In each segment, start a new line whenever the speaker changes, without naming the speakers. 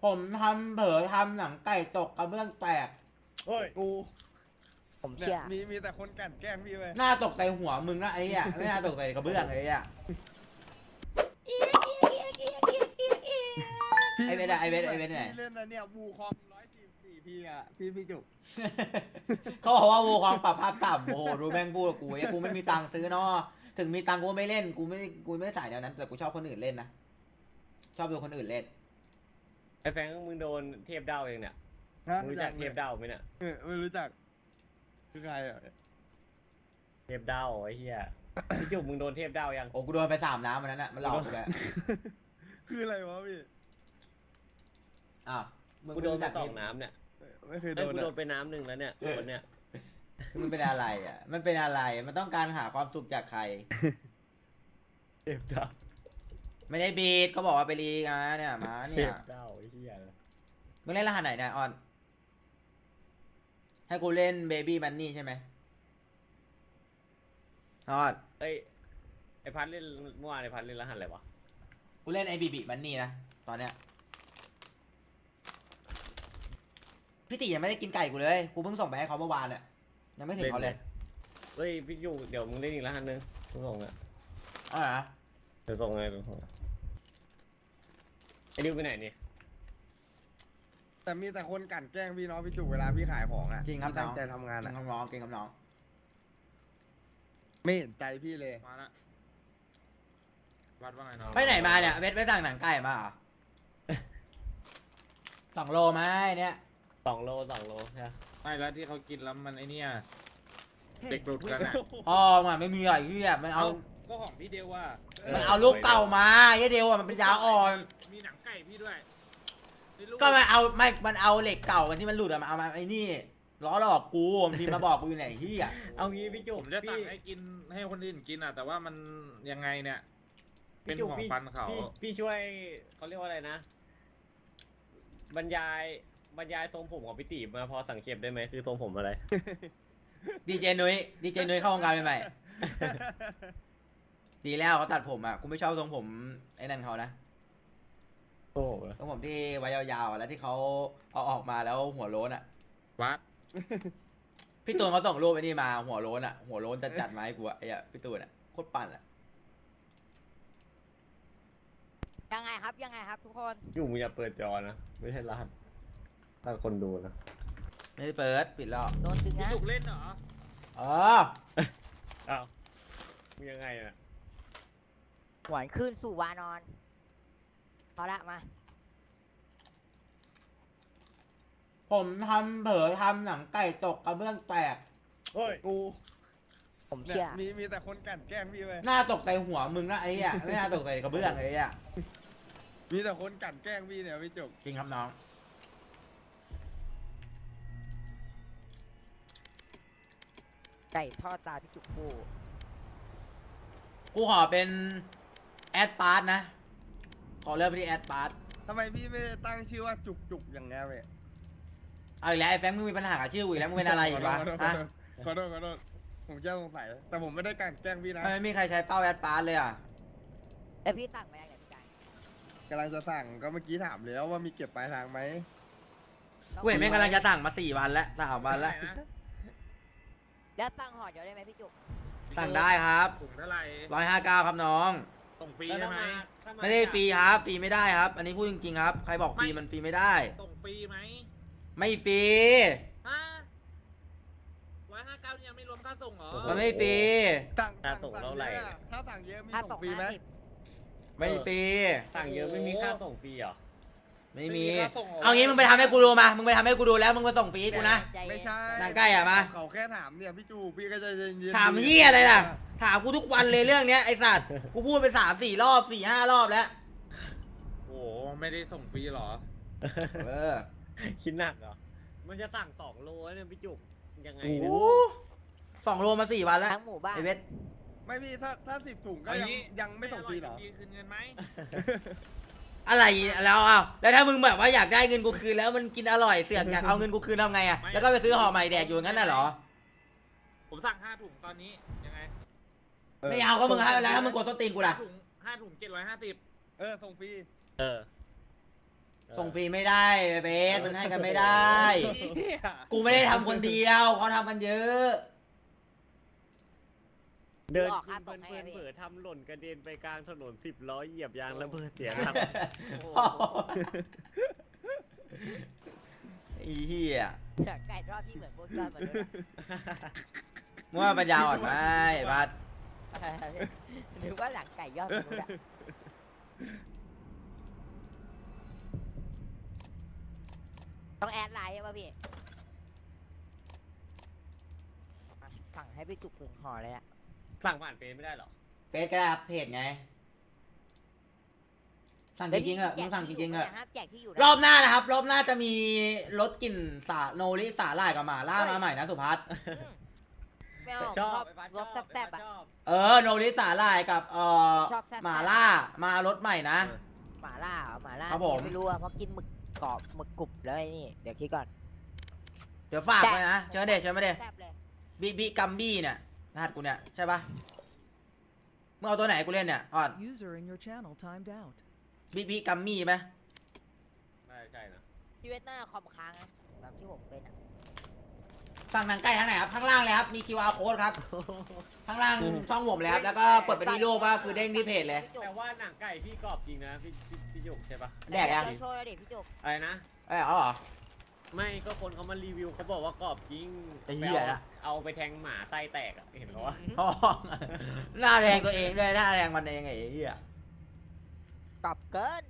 ผมทำเผลอทำหนังไก่ตกกระเบื้องแตก
เฮ้ยกู
ผมเชื่อ
มีแต่คนกลั่นแกล้งพี่เว้ย
หน้าตกใส่หัวมึงนะไอ้เนี่ยไม่น่าตกใส่กระเบื้องไอ้เนี่ย ไอ้เวทอะไอ้เวทไหน
พี่เล่นนะเนี่ยวูคอม144พี่อะพี่จุก
เขาบอกว่าวูคองปรับภาพต่ำโอ้โหดูแม่งพูดกับกูไอ้กูไม่มีตังค์ซื้อเนาะถึงมีตังค์กูไม่เล่นกูไม่สายแนวนั้นแต่กูชอบคนอื่นเล่นนะชอบดูคนอื่นเล่น
ไอ้แฟงมึงโดนเทพเด้าเองเนี่ย
ฮะ
มึงรู้จักเทพเด้าไหมเนี่ย
ไม่รู้จักคือใครอะ
เทพเด้าไอ้เหี้ยพี่จุกมึงโดนเทพเด้ายัง
โอ้กูโดนไป3 น้ำวันนั้นน่ะมันหลอกกูเลย
คืออะไรวะพี่
อ้าวมึง
กู
ไม่
โดน
รู้
ไป
จัก
สอ
เท
ง
พ
น้ำเนี่ย
ไม่เคยโด
ไอ้ย
น
กู
อะ
โดนไปน้ำหนึ่งแล้วเนี่ยวันเนี้ย
มันเป็นอะไรอ่ะมันเป็นอะไรมันต้องการหาความสุขจากใคร
เทพเด้า
ไม่ได้บีดก็บอกว่าไปรีกันเนี่ยมา
เท
เนี่ย
พเด้าไอ้เหี้ย
มึงเล่นรหัสไหนเนี่ยออนให้กูเล่นเบบี้มันนี่ใช่ไหมออน
เอ้ยไอ้พัดเล่นเมื่อวานไอ้พัดเล่นรหัสอะไรวะ
กูเล่นไอ้บีบีมันนี่นะตอนเนี้ยพี่ติยังไม่ได้กินไก่กูเลยกูเพิ่งส่งไปให้เขาเมื่อวานเนี่ยยังไม่ถึงเขาเลย
เฮ้ยพี่จุกเดี๋ยวมึงเล่นอีกรหัสนึงกูส่งอ่ะ
อ๋อเหรอ
เดี๋ยวส่งไงเดี๋ยวส่งไอ้ดิวไปไหนนี่
แต่มีแต่คนกลั่นแกล้งพี่เนาะพี่จุกเวลาพี่ขายของอะ
จริงครับ
พี่
น้
ตั้
อง ง
ใจทำงาน
เก่
อะ
งคำน้องเก่งคำน้อง
ไม่เห็นใจพี่เลย
มาละวัดว่าไงน้อง
ไปไหนมาเนี่ยเวทไปสั่งหนังไก่มาเหรอ 2 โลไหมเนี่ย
2 โลใช่ไหม
ไม่แล้วที่เขากินแล้วมันไอเนี่ยเด็กหลุดกันอ่ะ
อ๋อมันไม่มีอะไรที่แบบมันเอา
ก็ของพี่เดียวว่า
มันเอาลูกเก่ามาไอ้เดียวอะมันเป็นยาอ่อน
มีหนังไก่พี่ด้วยไม่รู้
ก็มันเอาเหล็กเก่ากันที่มันหลุดอะมาเอามาไอ้นี่ล้อหลอกกูมันทีมาบอกกูอยู่ไหนที่อ่ะ
เอางี้พี่จุ
ผ
ก
มจะสั่ง
พี่
ให้กินให้คนอื่นกินอ่ะ แต่ว่ามันยังไงเนี่ย เป็
พี่
น
จุก
ของ
พี่
ฟันเขา
พี่ช่วยเขาเรียกว่าอะไรนะ บรรยายทรงผมของพี่ตีมาพอสังเกตได้ไหมคือทรงผมอะไร
ดีเจนุ้ยเข้าวงการใหม่ๆดีแล้วเขาตัดผมอ่ะกูไม่ชอบทรงผมไอ้นั่นเขานะ
โอ้
ทรงผมที่ไว้ยาวๆอะแล้วที่เขาเอาออกมาแล้วหัวโล้นอ่ะ
วัด
พี่ตูนเขาส่งรูปไอ้นี่มาหัวโล้นอ่ะหัวโล้นจะจัดมาให้กูอะไอ้อะพี่ตูนอ่ะโคตรปั่นอ่ะ
ยังไงครับทุกคน
ยุ่งมึงอย่าเปิดจอนะ ไม่ใช่รหัสถ้าคนดูนะ
ไม่ได้เปิดปิดแล้ว
โดนดึง
พี่
นะ
จุกเล่นเหรอ
อ๋อ
อ้าวมึงยังไงอ่ะ
หวนคืนสู่วานอนพอละมา
ผมทำเผลอทำหนังไก่ตกกระเบื้องแตก
เฮ้ย
กู
ผม
เนี่
เชื่
ย
อ
มีแต่คนกลั่นแกล้งพี่เว้ย
หน้าตกใส่หัวมึงนะไอ้เนี่ยไม่น่าตกใส่กระเบื้องไอ้เนี่ย
มีแต่คนกลั่นแกล้งพี่เนี่ยพี่จุก
จริงครับน้อง
ไก่ทอดตาพี่จุกพู
กูขอเป็นแอดพาร์ตนะขอเริ่มไปที่แอดพาร์ต
ทำไมพี่ไม่ตั้งชื่อว่าจุกอย่างเงี้ยเว้ย
เอาอีกแล้วไอ้แฟงมึงมีปัญหากับชื่อกูอีกแล้วมึงเป็นอะไรอีกวะฮะ
ขอโทษผมแค่สงสัยแต่ผมไม่ได้กลั่นแกล้งพี่นะ
ทำไมไม่มีใครใช้เป้าแอดพาร์ตเลยอ่ะ
เอ้ยพี่สั่งมาอย่างไรพี่ไก่
กำลังจะสั่งก็เมื่อกี้ถามแล้วว่ามีเก็บปลายทางไหม
กูเห็นแม่งกำลังจะสั่งมา4 วันแล้ว3 วันแล้ว
ไหนนะ
แล้วสั่งห่อเดียวได้ไหมพี่จุก
สั่งได้ครับ
ถุงเท่าไหร่
159ครับน้อง
ส่งฟรี
แล้ว
ใช่ไหม
ถ้าา
ไม่ได้ฟรีครับฟรีไม่ได้ครับ อันนี้พูดจริงๆครับใครบอกฟรีมันฟรีไม่ได้
ส่งฟรีไหม
ไม่ฟรี
ฮะ159ยังไม่รวมค่าส่งเหรอ
มันไม่ฟรี
สั่งเยอะถ้าสั่งเยอะมี
ถ้า
ส่
ต
ง
ก
ฟรีไหม
50
ไม่ฟรี
สั่งเยอะไม่มีค่าส่งฟรีเหรอ
ไม่มี
ค่าส่งหร
เอางี้มึงไปทำให้กูดูมามึงไปทำให้กูดูแล้วมึงมาส่งฟรีให้กูนะ
ใจเย็น
ไม่ใช่
หนังใกล้อะมา
เขาแค่ถามเนี่ยพี่จูพี่ก็จะเย็นๆ
ถามเหี้ยอะไรล่ะ ถามกูทุกวันเลยเรื่องเนี้ยไอ้สัตว์กูพูดไป3-4 รอบ4-5 รอบแล้ว
โอ้โหไม่ได้ส่งฟรีเหรอ
เออ
คิดหนักเหรอ มันจะสั่ง2 โลแล้วเนี่ยพี่จุกยังไง
โอ้
เนี่ย
โห2 โลมา4 วันแล้ว
ทั้งหมู่บ้าน
ไอ้เวท
ไม่พี่ถ้า10 ถุงก็
เอา
ยัง
งี้
ยังไม่ส่งฟรีเหรอ
ไม่ยคืนเงินไหม
อะไรแล้วเอาแล้วถ้ามึงแบบว่าอยากได้เงินกูคืนแล้วมันกินอร่อยเสือกอยากเอาเงินกูคืนทำไงอะแล้วก็ไปซื้อห่อใหม่แดกอยู่งั้นน่ะเหรอ
ผมสั่ง5 ถุงตอนนี้ยังไง
ไม่เอาก็มึงให้แล้วถ้ามึงกดต้นตีนกูล่ะ
5 ถุง750
ส่งฟรี
เออ
ส่งฟรีไม่ได้เบสมันให้กันไม่ได้
เหี้ย
กูไม่ได้ทำคนเดียวเขาทำกันเยอะ
เดิน
ออก
กิ
ค่าน ต
เพ
กให้
ลิ
อะ
นๆ
พี่
เผลอทำหล่นกระเด็นไปกลางถนน10 ล้อเหยียบยางระเบิดเสียงครับ
โอ้
โอ้
โห
โหไอ้เหี้ย
ไก่รอบที่เหมือนพวกยอดมาด้วย
มึงว่าปัญญาอ่อนไหมไอ้บัส
หรือว่าหลังไก่ยอดมนุษย์อะต้องแอดไลน์ใช่ป่ะพี่สั่งให้พี่จุกถึงห่อเลยอะ
สั่งผ่านเฟซไม่ได้หรอ
เฟซก็ได้ครับเพจไง สั่งจริงๆอะมึงสั่งจริงๆอะ
ห้ามแจกที่อยู่
รอบหน้านะครับ รอบหน้าจะมีรสกลิ่นโนริสาหร่ายกับหม่าล่ามาใหม่นะสุพัฒน์
ไม่เอา
ชอบ
ชอบ
ไอ้บัส
รส
ชอบ
แซ่บๆ
ไอ้
อะ
บัสชอบ
โนริสาหร่ายกับ
ชอบแซ่บๆ
หม่าล่ามารสใหม่นะ
หม่าล่าเหรอหม่าล่า
ครับผม
ไม่รู้อะเพราะกินหมึกกรอบหมึกกรุบแล้วไอ้นี่เดี๋ยวคิดก่อน
เดี๋ยวฝากไว้นะเชิญเดชเชิญมาเดช
แซ่บเลย
บีกัมบี้เนี่ยรหัสกูเนี่ยใช่ปะมึงเอาตัวไหนกูเล่นเนี่ยอ่อน
User in your channel timed out.
บีกัมมี่ไหม
ใช่นะ
ชีวิตหน้าคอมค้างนะแบบที่ผมเป็นอะ
สั่งหนังไก่ทางไหนครับข้างล่างเลยครับมี QR code ครับ ข้างล่างช่องผมเลยครับแล้วก็กดไปที่รูปว่าคือเด้งที่เพจเลย
พี่จุก
แต่ว่าหนังไก่พี่กรอบจริงนะพี่จุกใช่ปะ
แดกยัง
โชว์แล้วดิพี่จุก
อะไรนะ
เอาเหรอ
ไม่ก็คนเขามารีวิวเขาบอกว่ากรอบจริง
ไอ้เหี้ยนะ
เอาไปแทงหมาไส้แตกอะเห็นปะวะ
อ๋อหน้าแรงตัวเองด้วยหน้าแรงมันเองไอ้เหี้ย
กรอบเกิน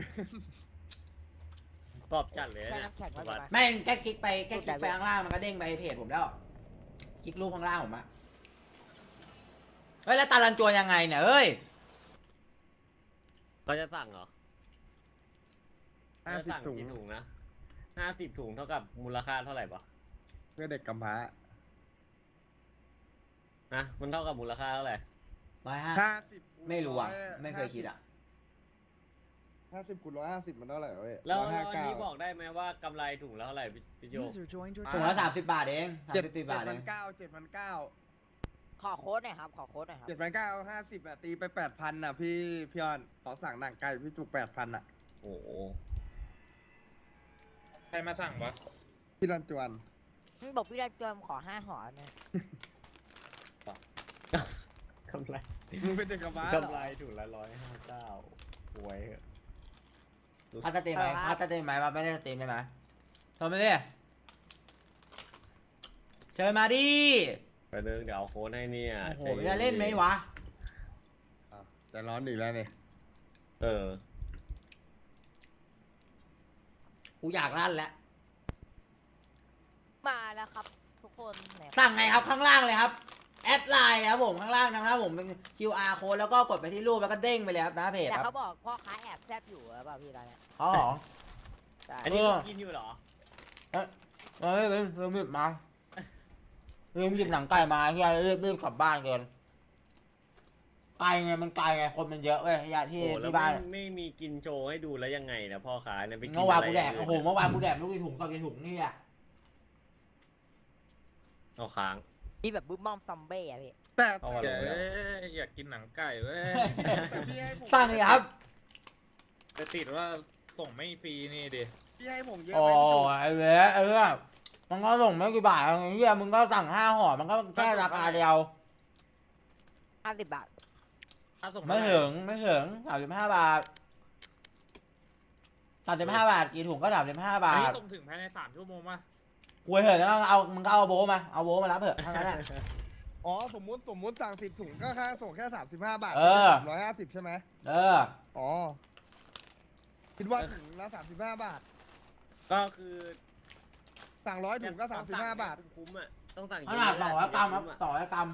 กรอบจัดเลย
แค่
เนี่ย
น้ำแข็งไว้
วั
ก่อ
ด
นนะ
แม่งแค่คลิกไปข้างล่างมันก็เด้งไปเพจผมแล้วคลิกรูปข้างล่างผมอะเฮ้ยแล้วตาลันจวนยังไงเนี่ยเฮ้ย
เขาจะสั่งเหรอ จะสั่ง
50 ถุง
กี่ถุงนะ50 ถุงเท่ากับมูลค่าเท่าไหร่ปะ
เพื่อเด็กกำพร้า
นะมันเท่ากับมูลค่าเท่าไหร่
50
ไม่รู้อ่ะไม่เคยคิดอ่ะ
50 คูณ 150 มันเท่าไหร่เว้ย
แล้วอันนี้บอ
159
กได้ไหมว่ากำไรถุงแล้วเท่าไหร่พี่โยก
User joined your
ถุงละ
channel.
30 บาทเอง30 บาทเอง
7,900
ขอโค้ดหน่อยครับขอโค้ดหน่อยครับ
7,950อ่ะตีไป 8,000อ่ะพี่ออนขอสั่งหนังไก่พี่จุก 8,000อ่ะ
โอ้โห
ใครมาสั่งวะ
พี่รันจวน
บอกพี่ได้จวมขอ5ห่อนะ
กำไร
มึงเป็นเด็กกำพร้าเหร
กำไร
อ
ถุงละ159หวยเหอะ
พัดจะเต็มไหมพัดจะเต็มไหมว่าไม่ได้สตรีมใช่ไหมโทรมาดิเชิญมาดิ
ไปเดินเดี๋ยวเอาโค้ดให้เนี่ย
โอ้โหจะเล่นไหมวะ
อ่ะแต่ร้อนอีกแล้วเนี่ย
เออ
กูอยากลั่นแล้ว
มาแล้วครับทุกคนไหน
สั่งไงครับข้างล่างเลยครับแอดไลน์ครับผมข้างล่างนะครับผมเป็น QR code แล้วก็กดไปที่รูปแล้วก็เด้งไปเลยครับหน้าเพจ
แต่
ครับ
เขาบอกพ่อค้าแอบแซบอยู่หรือเปล่าพี่ตอนเนี้ย
อ๋อ
ใช่
อันนี้กินอยู่เหรอ
เฮ้ยลืมหยิบมาลืมหยิบหนังไก่มาเฮียรีบกลับบ้านเกินไกลไงมันไกลไงคนมันเยอะเว้ยญาติที่
โอ้แล้ว
ที่บ้าน
ไม่มีกินโชว์ให้ดูแล้วยังไงนะพ่อค้าเนี่ยไปกิน
เมื่อวาน
อะไร
กูแดกโอ้โหเมื่อวานกูแดกลูกกี่ถุงต่อกี่ถุงนี่อ่ะ
เอาค้าง
มีแบบบึ้มบ้อมซัมเบ้อะพี่
แต่
เอาอะไร
เอ้ยอยากกินหนังไก่เว้ย
แต่พี่ให้ผม
สั่งเลยครับ
แต่ติดว่าส่งไม่ฟรีนี่ดิ
พี่ให้ผมเยอะ
โอ้
ไหมพี่จุก
ไอ้เว้ยมันก็ส่งไม่กี่บาทไอ้เฮียมึงก็สั่ง5 ห่อมันก็แค่ราคาเดียว
50 บาท
ถ้าส่ง
ไม่ถึง35 บาท35 บาทกี่ถุงก็35 บา
อันนี้
ท
ส่งถึงภายใน3 ชั่วโมงป่ะ
กูเหอะแล้วมึงก็เอาโบมาเอาโบมารับเถอะทั้งนั้นแหละ
อ๋อสมมุติสั่ง10 ถุงก็ค่าส่งแค่ 35 บาท
เออ
150 ใช่ไหม
เออ
อ๋อ คิดว่าถุงละ35 บาท
ก็คือ
สั่ง100 ถุงก็ 35 บาท
คุ้มๆอ่ะต้องสั่ง
ขนาด200 กรัมครับ200 กรัม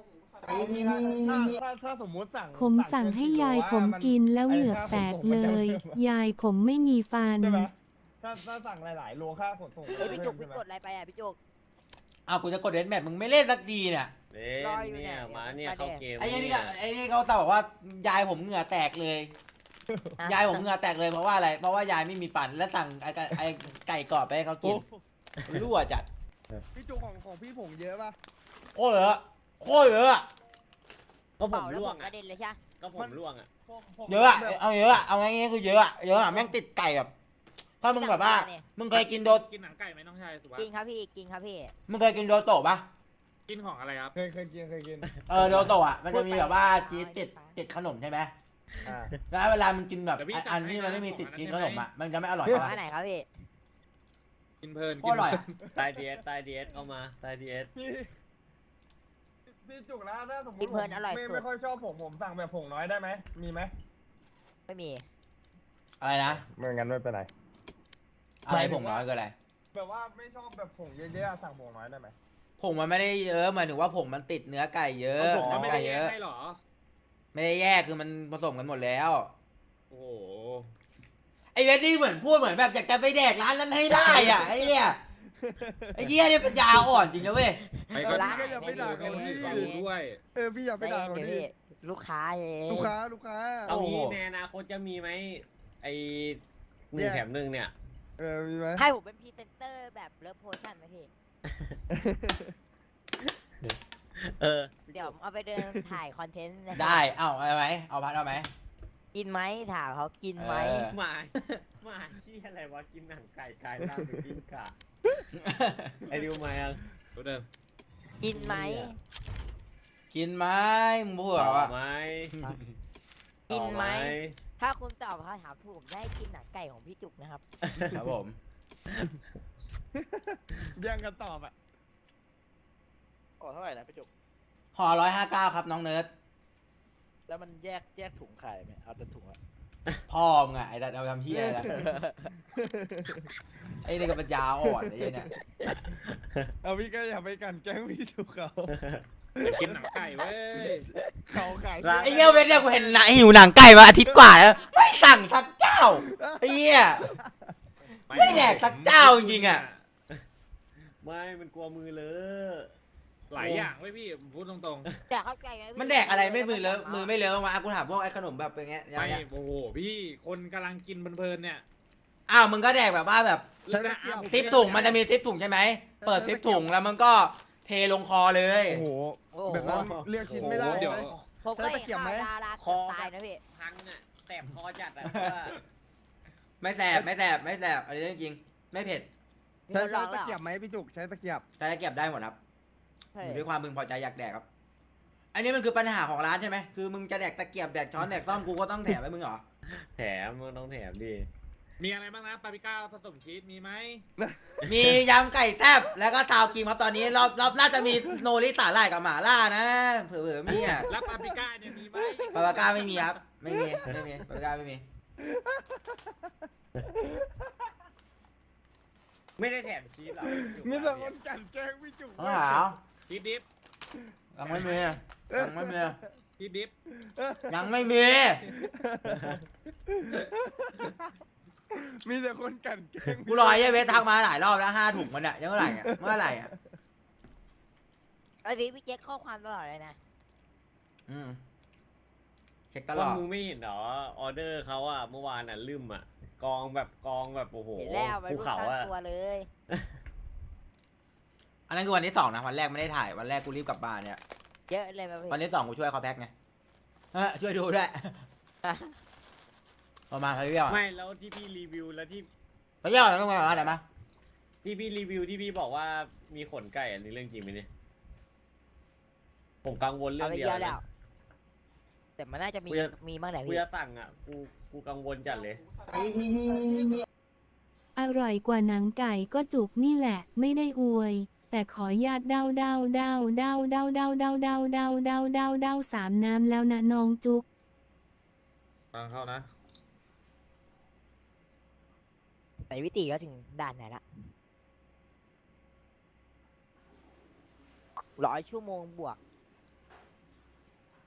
ถ้าสมมุติสั่ง
ผมสั่งให้ยายผมกินแล้วเหงือกแตกเลย ยายผมไม่มีฟัน
ใช่ไหมถ้าสั่งหลายๆโลค่าขนส่ง
เฮ้ยพี่จุก
ใช่
พี่
ไหม
กดอะไรไปอ่ะพี่จุก
เอากูจะกดเดนแมทมึงไม่เล่นสักทีเนี่ย
เล่
รออยู่
น
เนี่
เนี่ย ยมาเนี่ย
มาแดก
เข้าเกม
ไอ้นี่
เนี่
ก็
ย
ไอ้นี่เขาแต่บอกว่ายายผมเหงื่อแตกเลย ยายผมเหงื่อแตกเลยเพราะว่าอะไร เพราะว่ายายไม่มีฟันและสั่งไอ้ไก่กรอบไปให้เขากินรั่วจัด
พี่จุกของพี่ผงเยอะป่ะ
โคตรเยอะโคตรเยอะ
ก็ผม
เป่าแล้ว
ร่
ผ
วง
มก
อ่ะ
ระเด็นเลยใช่ไหม
ก็ผมร่วงอ่ะ
เยอะอะเอาเยอะอะเอาง่ายๆคือเยอะอะเยอะอะแม่งติดไก่แบบเพราะมึงแบบว่า
เนี่ย
มึงเคยกินโด
กินหนังไก่ไหมน้องชายสุวัส
กิน
ดิ์
ครับพี่กินครับพี่
มึงเคยกินโดโตะปะ
กินของอะไรครับ
เคยกิน
โดโตะอ่ะมันจะมีแบบว่าชีสติดขนมใช่ไหม
อ่า
แล้วเวลามึงกินแบบอันที่มันไม่มีติดชีสขนมอ่ะมันจะไม่อร่อย
อั
ปะ
นไหนครับพี่
กินเพลิน
โคตรอร่อยอะ
ตายดีเอสเข้ามาตายดีเอส
พี่จุกนะถ้าสมม
กิ
ติ
นเพลินอร่อยสุด
ไม่ค่อยชอบผมสั่งแบบผงน้อยได้ไหมมีไหม
ไม่มี
อะไรนะ
ไม่งั้นไม่เป็นไร
อะไรผงน้อยก็อะไร
แบบว่าไม่ชอบแบบผงเยอะๆสั่งผงน้อยได้ไหม
ผงมันไม่ได้เยอะหมายถึงว่าผงมันติดเนื้อไก่เยอะ
ผมก็ไม่
น้ำ
ได้
ไก่
แย
เย
ก
อะ
ให้หรอ
ไม่ได้แยกคือมันผสมกันหมดแล้ว
โอ้โห
ไอ้เวดดี้เหมือนพูดเหมือนแบบอยากจะไปแดกร้านนั้นให้ได้อ่ะไอ้เหี้ยเนี่ยปัญญาอ่อนจริงนะเว้ย
ไปก็
ร้าน
ก็อย่าไปด่าเขาดิ
ฟังด้วย
พี่อย่าไปด่าเขา
เดี๋ยว
ดิ
พี่ลูกค้าเอง
ลูกค้า
เอางี้ในอนาคตจะมีไหมไอหนึ่งแถมหนึ่งเนี่ย
มีไหม
ให้ผมเป็นพรีเซนเตอร์แบบเลิฟโพชั่นไหมพี่
เออ
เดี๋ยวผมเอาไปเดินถ่ายคอนเทนต์นะครับ
ได้เอาไหมเอาพัดเอาไหม
กินไหมถามเขากินไหม
เออ
หมาที่อะไรวะกินหนังไก่กายร่างเป็นกิ้งก่าไอดิวมายัง
ตัวเดิม
กินไหม
กินไหมมึงพูดเหร
ต่
อ
อ
วะ
ไหม
กินไหม
ต่อ
ถ้าคุณตอบคำถามถูกผมได้กินหนังไก่ของพี่จุกนะครับ
ครับผม
แย่งกันตอบอ่ะ
ก่อเท่าไหร่นะพี่จุก
ห่อ159ครับน้องเนิร์ด
แล้วมันแยกถุงขายไหมเอาแต่ถุงอะ
พ่อมึงอะไอ้ดัดเอาทำเพี้ยอะไรไอ้นี่ก็ปัญญาอ่อนไอ้เนี่ย
เอาพี่ก็อย่าไปกลั่นแกล้งพี่จุกเขา
อยากกินหนังไก่เว้ย
เขาขาย
ไอ้เหี้ยเวทเนี่ยกูเห็นหนังหิวหนังไก่มาอาทิตย์กว่าแล้วไม่สั่งสักเจ้าไอ้เหี้ย ไม่แดกสักเจ้าจริงๆอะ
ไม่มันกลัวมือเลอะ
หลายอย่างเว้ยพี่ผมพูดตรง
แต่เข้าใจไหมพี่
มันแดกอะไรไม่มือเลอะมือไม่เลอะมากูถามพวกไอ้ขนมแบบเป็นไง
ๆไม่โอ้โหพี่คนกำลังกินเพลินๆเนี่ย
อ้าวมึงก็แดกแบบว่าแบบ
แล้วนะ
ซิปถุงมันจะมีซิปถุงใช่ไหมเปิดซิปถุงแล้วมันก็เทลงคอเลย
โอ้โห
โอ้โห
แบบว่าเรียกชิ้นไม่ได้
เดี๋ยว
ไหม
ผมก็
ใช้ตะเกี
เห็
ยบ
น
ไหม
ข่าวดาราเกือบตายนะพี่
พังอ่ะแสบคอจัดอ่ะว่า
ไม่แสบอันนี้เรื่องจริงไม่เผ็ด
มี
ใช้
คนลองแล้ว
ตะเกียบไหมพี่จุกใช้ตะเกียบ
ใช้เก็บได้หมดครับ
เฮ้
อย ยู่ด้วยความพึงพอใจอยากแดกครับ อันนี้มันคือปัญหาของร้านใช่ไหมคือมึงจะแดกตะเกียบแดกช้อนแดกซ่อมกูก็ต้องแถมให้มึงเหรอ
แถมมึงต้องแถมดิ
มีอะไรบ้างนะปาปริก้าผสมชีสมีไหม
มียำไก่แซ่บแล้วก็ซาวครีมครับตอนนี้รอบน่าจะมีโนริสาหร่ายกับหม่าล่านะเผื่อๆมีอ่ะ
แล้วปาปริก้าเนี่ยมีไหม
ปาปาก้าไม่มีครับไม่มีปาปาก้าไม่มี
ไม่ได้แถมชีสหรอ
มีแต่คนกลั่นแกล้งพี่จุก
ต้องหา
ชีสดิฟ
ยังไม่มียังไม่มี
ชีสดิฟ
ยังไม่มี
มีแต่คนกลั่นแกล้ง
กูรอไอ้เวททักมาหลายรอบแล้ว5 ถุงมันเนี่ยยังเมื่อไหร่อ่ะเมื่อไหร่อ่ะ
ไอ้พี่เจ๊ข้อความตลอดเลยนะ
อืมเช็คต
ต
ล
ล
อ
อ
ด
ดมึงไม่เห็นเหรอออเดอร์เขาอ่ะเมื่อวานอ่ะลืมอ่ะกองแบบโอ้โห
เห็นแล้วไป
ภู
รูป
เขา
ข้าง
อ่ะ
ตัวเลย
อันนั้นคือวันที่2นะวันแรกไม่ได้ถ่ายวันแรกกูรีบกลับบ้านเนี่ย
เยอะเลยมาพี่
วันที่2กูช่วยเขาแพ็คไงช่วยดูด้วยประมาณเขาเรียกว่า
ไม่แล้วที่พี่รีวิวแล้วที่
เขาเรียกว่าต้องมาอะไรมา
ที่พี่รีวิวที่พี่บอกว่ามีขนไก่อันนี้เรื่องจริงไหมเนี่ยผมกังวลเรื่
เอา
อง
ไป
เดี
เย
ยว
อะแล้
นะ
ว แต่มันน่าจะมี
กูจะ
มีบ้างแหละ
กู
พี่
จะสั่งอ่ะกูกังวลจัดเลย
อร่อยกว่าหนังไก่ก็จุกนี่แหละ ไม่ได้อวย แต่ขอญาติเดา3 น้ำแล้วนะน้องจุก
ฟังเข้านะ
ไหนวิติก็ถึงด่านไหนละ100 ชั่วโมงบวก